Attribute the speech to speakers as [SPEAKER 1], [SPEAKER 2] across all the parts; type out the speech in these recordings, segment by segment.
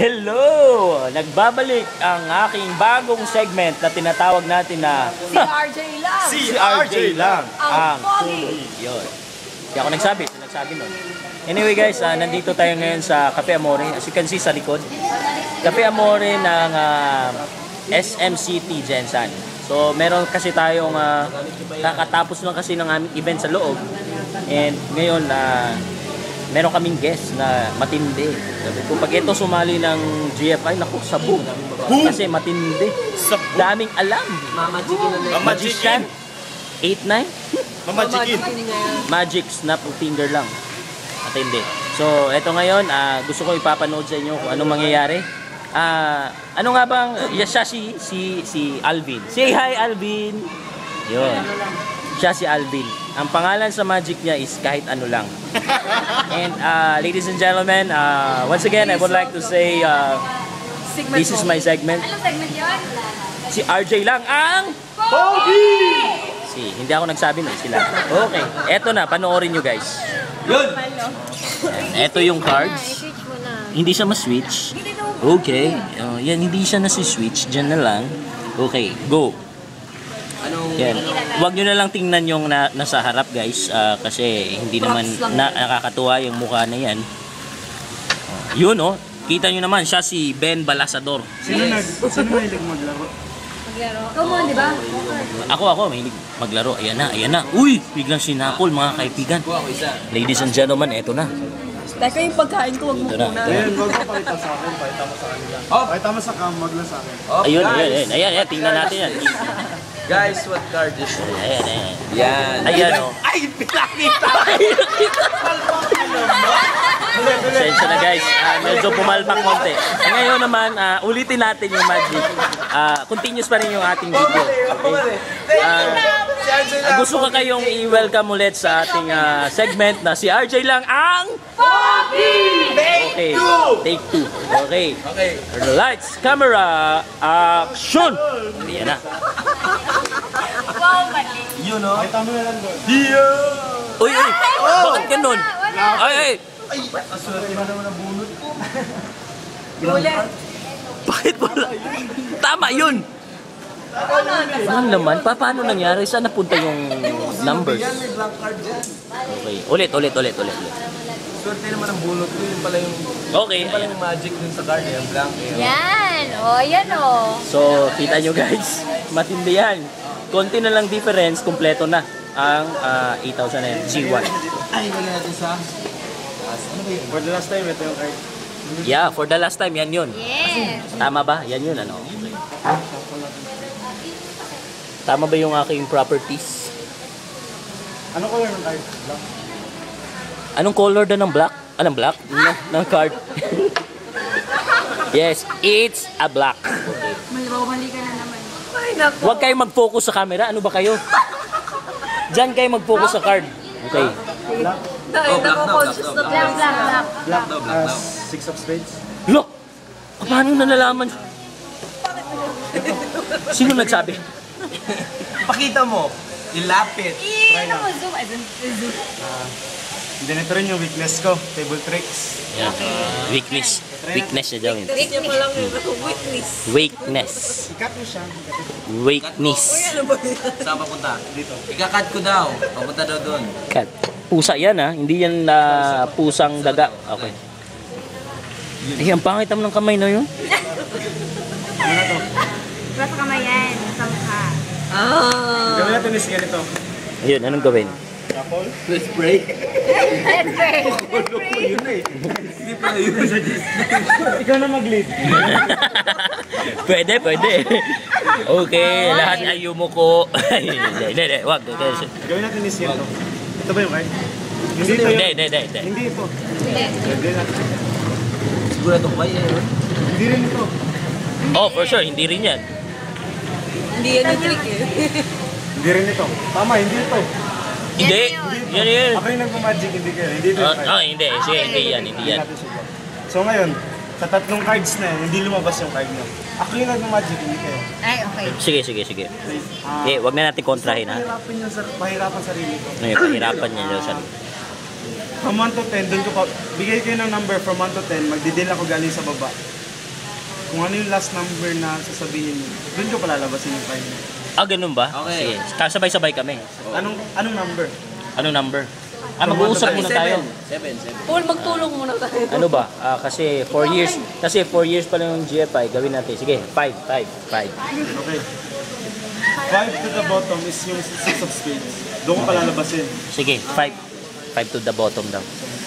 [SPEAKER 1] Hello! Nagbabalik ang aking bagong segment na tinatawag natin na
[SPEAKER 2] Si RJ lang.
[SPEAKER 3] Si RJ lang.
[SPEAKER 2] Ang pogi.
[SPEAKER 1] Yun. Hindi ako nagsabi nun. Anyway guys, nandito tayo ngayon sa Cafe Amore. As you can see sa likod. Cafe Amore ng SM City, Jensan. So meron kasi tayong kakatapos lang kasi ng aming event sa loob. And ngayon, meron kaming guest na matindi. Sabi ko, pag ito sumali ng GFI, naku, sabog. Kasi matindi. Daming alam. Magician. 8-9?
[SPEAKER 3] Mamajikin.
[SPEAKER 1] Magic snap of finger lang. Matindi. So, ito ngayon, gusto ko ipapanood sa inyo kung anong mangyayari. Ano nga bang, siya si Alvin. Say hi, Alvin! Yun. Siya si Alvin. Ang pangalan sa magic niya is kahit ano lang. And ladies and gentlemen, once again, I would like to say this is my segment.
[SPEAKER 2] Anong segment yun?
[SPEAKER 1] Si RJ lang ang
[SPEAKER 3] Pogi!
[SPEAKER 1] hindi ako nagsabi nun, sila. Okay, eto na, panoorin nyo guys.
[SPEAKER 3] Yun!
[SPEAKER 1] Eto yung cards. Hindi siya ma-switch. Okay, yan, hindi siya nasi-switch. Diyan na lang. Okay, go. Yan. Huwag nyo na lang tingnan yung nasa harap guys, kasi hindi naman nakakatuwa yung mukha na yan. Yun oh, kita nyo naman siya si Ben Balasador.
[SPEAKER 3] Sino mahilig maglaro?
[SPEAKER 2] Ikaw mo, di ba?
[SPEAKER 1] Ako mahilig maglaro. Ayan na. Uy, biglang sinakol mga kaibigan. Ladies and gentlemen, eto na.
[SPEAKER 2] Teka, yung pagkain ko, wag mo
[SPEAKER 1] Ito na.
[SPEAKER 2] muna.
[SPEAKER 3] Ayun, huwag mo pakita sa akin. Pakita mo sa kanila. Pakita mo sa cam, wag lang sa akin.
[SPEAKER 1] Ayan, tingnan natin yan.
[SPEAKER 4] Guys, what card is this?
[SPEAKER 1] Ayan.
[SPEAKER 4] Yan.
[SPEAKER 1] Oh.
[SPEAKER 3] Ay, pinakita!
[SPEAKER 1] Sensya na guys, medyo pumalpak konti. Ngayon naman, ulitin natin yung magic. Continuous pa rin yung ating video. Okay? Gusto ko kayong i-welcome ulit sa ating segment na si RJ lang ang
[SPEAKER 2] Pogi!
[SPEAKER 1] Okay, take two. Okay. Lights, camera, action! Ayan na.
[SPEAKER 2] Wow, mali.
[SPEAKER 3] Yun, no? Pakita mo na lang doon.
[SPEAKER 1] Uy! Bakit ganun? Ay!
[SPEAKER 3] Aswerte na naman ang bunot ko.
[SPEAKER 2] Ulit.
[SPEAKER 1] Bakit wala? Tama yun! Ano naman? Paano nangyari? Saan napunta yung numbers?
[SPEAKER 4] Yan, may blank card dyan.
[SPEAKER 1] Okay. Ulit.
[SPEAKER 4] Swerte naman ang bunot ko. Yun pala yung,
[SPEAKER 1] Okay.
[SPEAKER 4] yun pala yung magic dun sa card. Yung blank.
[SPEAKER 2] Yan. Yan o.
[SPEAKER 1] So, kita nyo guys. Matindi yan. Konti na lang difference. Kompleto na ang 8,000 na yan. G1.
[SPEAKER 4] Ay, wala natin sa...
[SPEAKER 3] For the last time, ito yung card.
[SPEAKER 1] Yeah, for the last time, yan yun.
[SPEAKER 2] Yes.
[SPEAKER 1] Tama ba? Yan yun, ano? Okay. Tama ba yung aking properties?
[SPEAKER 3] Ano color ng card? Black.
[SPEAKER 1] Anong color na ng black? Anong black? Ng card. Yes, it's a black. Okay.
[SPEAKER 2] Mali ka na naman. Ay, naku.
[SPEAKER 1] Huwag kayong mag-focus sa camera. Ano ba kayo? Diyan kayo mag-focus sa card. Okay.
[SPEAKER 3] Black.
[SPEAKER 2] Nako-conscious na black.
[SPEAKER 3] Black. Six of spades.
[SPEAKER 1] Look! Paano na nalaman? Sino nagsabi?
[SPEAKER 4] Pakita mo. Ilapit.
[SPEAKER 2] Ano mo, zoom. Zoom.
[SPEAKER 3] Ganito rin yung weakness ko. Table tricks.
[SPEAKER 1] Yan. Weakness. Weakness na daw yun.
[SPEAKER 2] Weakness pa lang yung weakness.
[SPEAKER 1] Weakness.
[SPEAKER 3] Ikat mo siya.
[SPEAKER 1] Weakness.
[SPEAKER 4] Saan papunta? Dito. Ikakat ko daw. Papunta daw doon.
[SPEAKER 1] Cat. Pusa yan ha. Hindi yan pusang daga. Okay. Ay, ang pangit naman ng kamay na yun.
[SPEAKER 3] Ano na to?
[SPEAKER 2] Basta kamay yan. Samha.
[SPEAKER 3] Gawin natin is ganito.
[SPEAKER 1] Ayun, anong gawin?
[SPEAKER 3] Couple.
[SPEAKER 4] Let's break.
[SPEAKER 2] Let's pray.
[SPEAKER 3] Yun na eh.
[SPEAKER 4] Hindi pala yun.
[SPEAKER 3] Ikaw na mag-lead.
[SPEAKER 1] Pwede. Okay, lahat ay yumuko. Hindi, wag.
[SPEAKER 3] Gawin natin is ganito. Ito ba yung card? Hindi ito yun.
[SPEAKER 1] Hindi.
[SPEAKER 3] Hindi ito.
[SPEAKER 2] Hindi.
[SPEAKER 3] Gawin natin.
[SPEAKER 4] Sigurado ko ba yan?
[SPEAKER 3] Hindi rin ito.
[SPEAKER 1] Oh, for sure, hindi rin yan.
[SPEAKER 2] Hindi yan yung trick eh.
[SPEAKER 3] Hindi rin ito. Tama, hindi ito.
[SPEAKER 1] Hindi. Yan.
[SPEAKER 3] Ako yung nagmamagic, hindi kayo. Hindi ito yung card.
[SPEAKER 1] Hindi. Sige, hindi yan.
[SPEAKER 3] natin subukan. So ngayon, sa tatlong cards na yan, hindi lumabas yung card nyo. Ako yung nagmamagic, hindi kayo.
[SPEAKER 2] Ay, okay.
[SPEAKER 1] Sige. Wag na natin kontrahin ha.
[SPEAKER 3] Pahirapan sarili ko.
[SPEAKER 1] Pahirapan niya daw sa...
[SPEAKER 3] From 1 to 10, doon ko pa, bigay kayo ng number from 1 to 10, magdidil ako galing sa baba. Kung ano yung last number na sasabihin niyo, doon ko palalabasin yung card niyo.
[SPEAKER 1] Ah, ganun ba?
[SPEAKER 4] Okay.
[SPEAKER 1] Sige, kasabay-sabay kami.
[SPEAKER 3] Anong number?
[SPEAKER 1] Anong number? Mag-uusap muna tayo.
[SPEAKER 4] 7.
[SPEAKER 2] Paul, magtulong muna tayo.
[SPEAKER 1] Ano ba? Kasi 4 years. Kasi 4 years pa lang yung GFI. Gawin natin. Sige, 5.
[SPEAKER 3] Okay. 5 to the bottom is yung 6 of spades. Doon ko palalabasin.
[SPEAKER 1] Sige, 5. 5 to the bottom daw.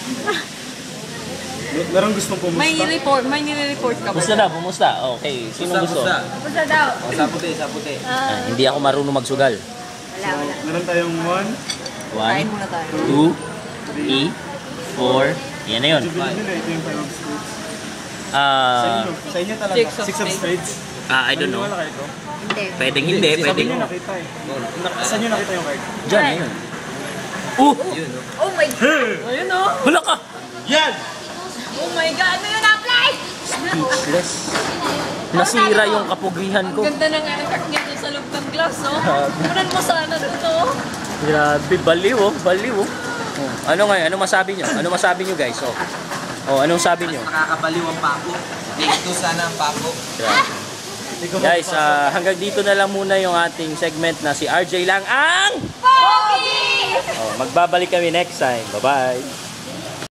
[SPEAKER 3] Meron gustong pumusta?
[SPEAKER 2] May nire-report ka ba?
[SPEAKER 1] Kumusta daw? Kumusta? Okay, sino gusto?
[SPEAKER 2] Pusa daw.
[SPEAKER 4] O, sa puti.
[SPEAKER 1] Hindi ako marunong magsugal.
[SPEAKER 2] Wala.
[SPEAKER 3] Meron tayong
[SPEAKER 2] kain
[SPEAKER 1] 1,
[SPEAKER 2] muna tayo.
[SPEAKER 1] 2, 3, 4. Yan na yun.
[SPEAKER 3] Jubilin nila, ito yung 5 of spades. Sa
[SPEAKER 1] Ah,
[SPEAKER 3] inyo, sa inyo talaga.
[SPEAKER 2] Six of
[SPEAKER 3] 6 of spades.
[SPEAKER 1] I don't know.
[SPEAKER 3] Naniniwala kayo ito?
[SPEAKER 2] Hindi.
[SPEAKER 1] Pwedeng hindi,
[SPEAKER 3] Sabi
[SPEAKER 1] pwedeng.
[SPEAKER 3] niyo nakita eh. Saan niyo nakita yung card?
[SPEAKER 1] Diyan, ayun.
[SPEAKER 4] Yun, no?
[SPEAKER 2] Oh my God! Ayun o.
[SPEAKER 1] Hala ka!
[SPEAKER 3] Yan!
[SPEAKER 2] Oh my God! Ano yun, apply?
[SPEAKER 1] Speechless. Nasira yung kapugihan ko.
[SPEAKER 2] Ganda ng card niya dun sa loob ng glass, oh. Kunan mo sana dito.
[SPEAKER 1] Grabe, baliw oh, baliw oh. Ano ngayon? Ano masabi nyo? Ano masabi nyo guys? Oh, anong sabi nyo?
[SPEAKER 4] Nakakabaliw ang pako. Dito sana ang pako.
[SPEAKER 1] Guys, hanggang dito na lang muna yung ating segment na si RJ lang ang...
[SPEAKER 2] Pogi!
[SPEAKER 1] Oh, magbabalik kami next time. Bye-bye!